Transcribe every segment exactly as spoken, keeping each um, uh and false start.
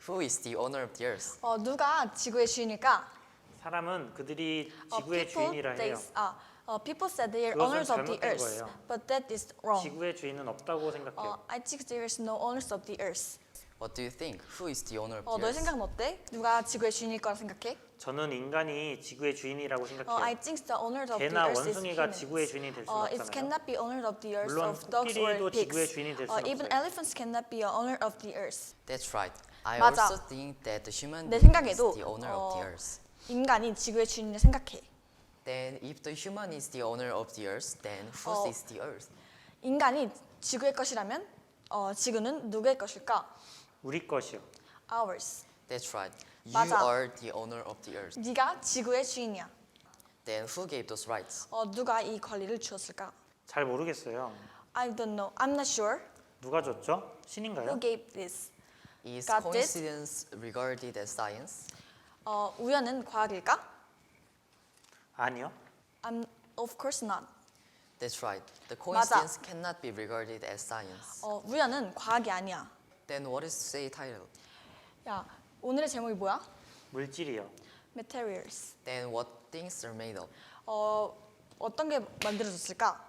Who is the owner of the earth? 어, 누가 지구의 주인일까? 사람은 그들이 어, 지구의 people, 주인이라 they, 해요. 아, 어, people said they are 그것은 owners of the 잘못된 earth, 거예요. but that is wrong. 지구의 주인은 없다고 생각해요. 어, I think there is no owners of the earth. What do you think? Who is the owner of 어, the 너의 earth? 생각은 어때? 누가 지구의 주인일 거라 생각해? 저는 인간이 지구의 주인이라고 어, 생각해요. I think the owners of the 개나 earth is 원숭이가 humans. 지구의 주인이 될 수는 어, it 없잖아요. cannot be owner of the earth 물론 of dogs or 코끼리도 pigs. 지구의 주인이 될 어, 수는 even 없어요. elephants cannot be a owner of the earth. That's right. I 맞아. also think that the human 내 being 생각에도, is the owner 어, of the earth. 인간이 지구의 주인을 생각해. Then if the human is the owner of the earth, then whose 어, is the earth? 인간이 지구의 것이라면 어, 지구는 누구의 것일까? 우리 것이요. Ours. That's right. You 맞아. are the owner of the earth. 네가 지구의 주인이야. Then who gave those rights? 어, 누가 이 권리를 주었을까? 잘 모르겠어요. I don't know. I'm not sure. 누가 줬죠? 신인가요? Who gave this? Is Got it? coincidence regarded as science? 어, 우연은 과학일까? 아니요. I'm of course not. That's right. The 맞아. coincidence cannot be regarded as science. 어, 우연은 과학이 아니야. Then what is say title? 야, 오늘의 제목이 뭐야? 물질이요. Materials. Then what things are made of? 어, 어떤 게 만들어졌을까?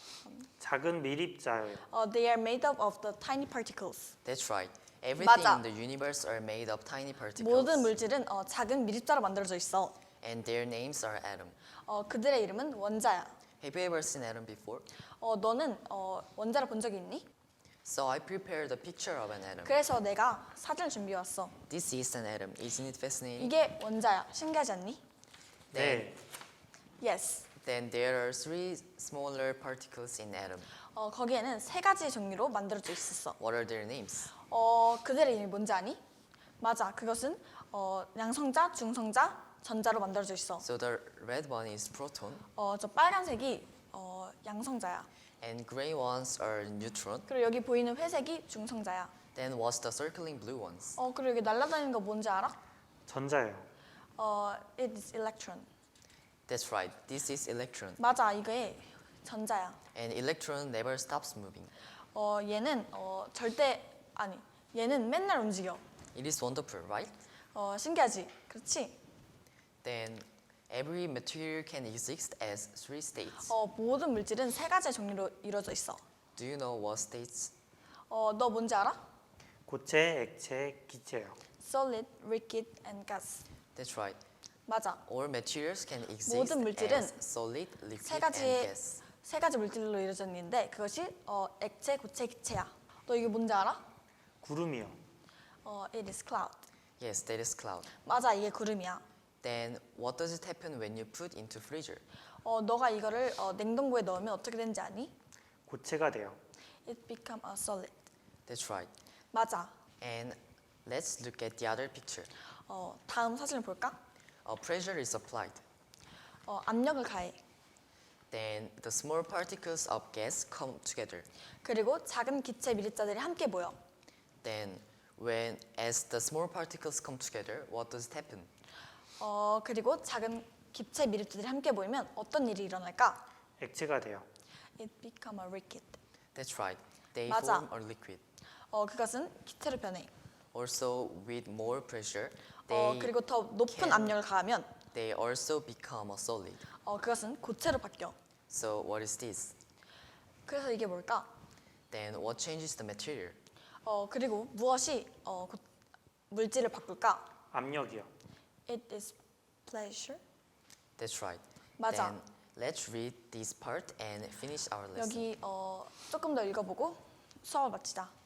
작은 밀입자예요. 어, they are made up of the tiny particles. That's right. Everything 맞아. in the universe are made of tiny particles. 모든 물질은 어, 작은 밀입자로 만들어져 있어. And their names are atom. 어, 그들의 이름은 원자야. Have you ever seen atom before? 어, 너는 어, 원자를 본 적이 있니? So I prepared a picture of an atom. 그래서 내가 사진을 준비해 왔어. This is an atom. Isn't it fascinating? 이게 원자야. 신기하지 않니? 네. Yes. Then there are three smaller particles in atom. 어, 거기에는 세 가지 종류로 만들어져 있었어. What are their names? 어, 그들의 이름이 뭔지 아니? 맞아. 그것은 어, 양성자, 중성자, 전자로 만들어져 있어. So the red one is proton, 어, 저 빨간색이 어, 양성자야. and gray ones are neutron. 그리고 여기 보이는 회색이 중성자야. Then what's the circling blue ones? 어, 그리고 여기 날아다니는 거 뭔지 알아? 전자예요. 어, it is electron. That's right. This is electron. 맞아. 이게 전자야. And electron never stops moving. 어, 얘는 어, 절대 아니. 얘는 맨날 움직여. It is wonderful, right? 어, 신기하지? 그렇지? Then every material can exist as three states. 어, 모든 물질은 세 가지의 종류로 이루어져 있어. Do you know what states? 어, 너 뭔지 알아? 고체, 액체, 기체요. Solid, liquid, and gas. That's right. 맞아. All materials can exist 모든 물질은 as solid, liquid, 세 and 가지의 gas. 세 가지 물질로 이루어져 있는데 그것이 어, 액체, 고체, 기체야. 너 이게 뭔지 알아? 구름이요. 어, it is cloud. Yes, that is cloud. 맞아, 이게 구름이야. Then what does it happen when you put into freezer? 어, 너가 이거를 어, 냉동고에 넣으면 어떻게 되는지 아니? 고체가 돼요. It become a solid. That's right. 맞아. And let's look at the other picture. 어, 다음 사진을 볼까? A pressure is applied. 어, 압력을 가해. Then the small particles of gas come together. 그리고 작은 기체 밀입자들이 함께 모여. Then when as the small particles come together, what does it happen? 어, 그리고 작은 기체 밀입자들이 함께 모이면 어떤 일이 일어날까? 액체가 돼요. It become a liquid. That's right. They 맞아. form a liquid. 어, 그것은 기체로 변해. Also with more pressure, 어, they 그리고 더 높은 can- 압력을 가하면 they also become a solid. 어, 그것은 고체로 바뀌어. So what is this? 그래서 이게 뭘까? Then what changes the material? 어, 그리고 무엇이 어, 고- 물질을 바꿀까? 압력이요. It is pleasure. That's right. 맞아. Then let's read this part and finish our lesson. 여기 어, 조금 더 읽어보고 수업을 마치자.